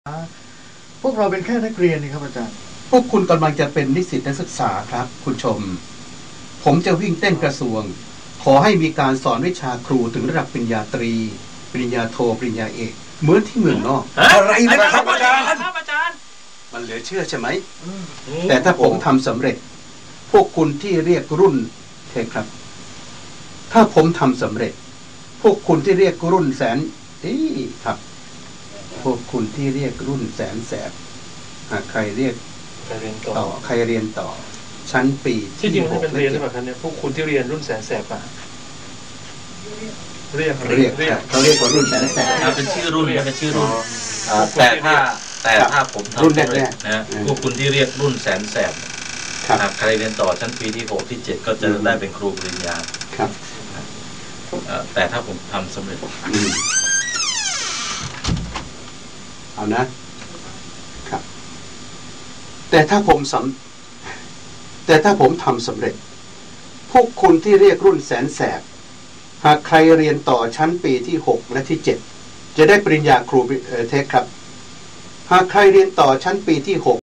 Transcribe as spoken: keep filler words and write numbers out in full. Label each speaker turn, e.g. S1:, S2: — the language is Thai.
S1: พวกเราเป็นแค่นักเรียนนี่ครับอาจารย์
S2: พวกคุณกำลังจะเป็นนิสิตนักศึกษาครับคุณชมผมจะวิ่งเต้นกระทรวงขอให้มีการสอนวิชาครูถึงระดับปริญญาตรีปริญญาโทปริญญาเอกเหมือนที่เมืองนอก
S3: อะไรนะครับอาจารย์
S2: มันเหลือเชื่อใช่ไหมแต่ถ้าผมทำสำเร็จพวกคุณที่เรียกรุ่นเทครับถ้าผมทำสำเร็จพวกคุณที่เรียกรุ่นแสนอีครับพวกคุณที่เรียกรุ่นแสนแสบหากใครเรียกต่อใครเรียนต่อชั้นปี
S3: ที่จริงมันเป็นเรียนใช่ไหมครับเนี่ยพวกคุณที่เรียนรุ่นแสนแสบอ่ะเรียก
S2: เรียกเขาเรียกว่ารุ่นแสนแสบ
S4: เป็นชื่อรุ่นเป็นชื่อรุ่นแต่ถ้าแต่ถ้าผมทำรุ่นแรกนะพวกคุณที่เรียกรุ่นแสนแสบหากใครเรียนต่อชั้นปีที่หกที่เจ็ดก็จะได้เป็นครูปริญญา
S2: ครับ
S4: แต่ถ้าผมทำสำเร็จ
S2: เอานะครับแต่ถ้าผมสำแต่ถ้าผมทำสำเร็จพวกคุณที่เรียกรุ่นแสนแสบหากใครเรียนต่อชั้นปีที่หกและที่เจ็ดจะได้ปริญญาครูเทคครับหากใครเรียนต่อชั้นปีที่หก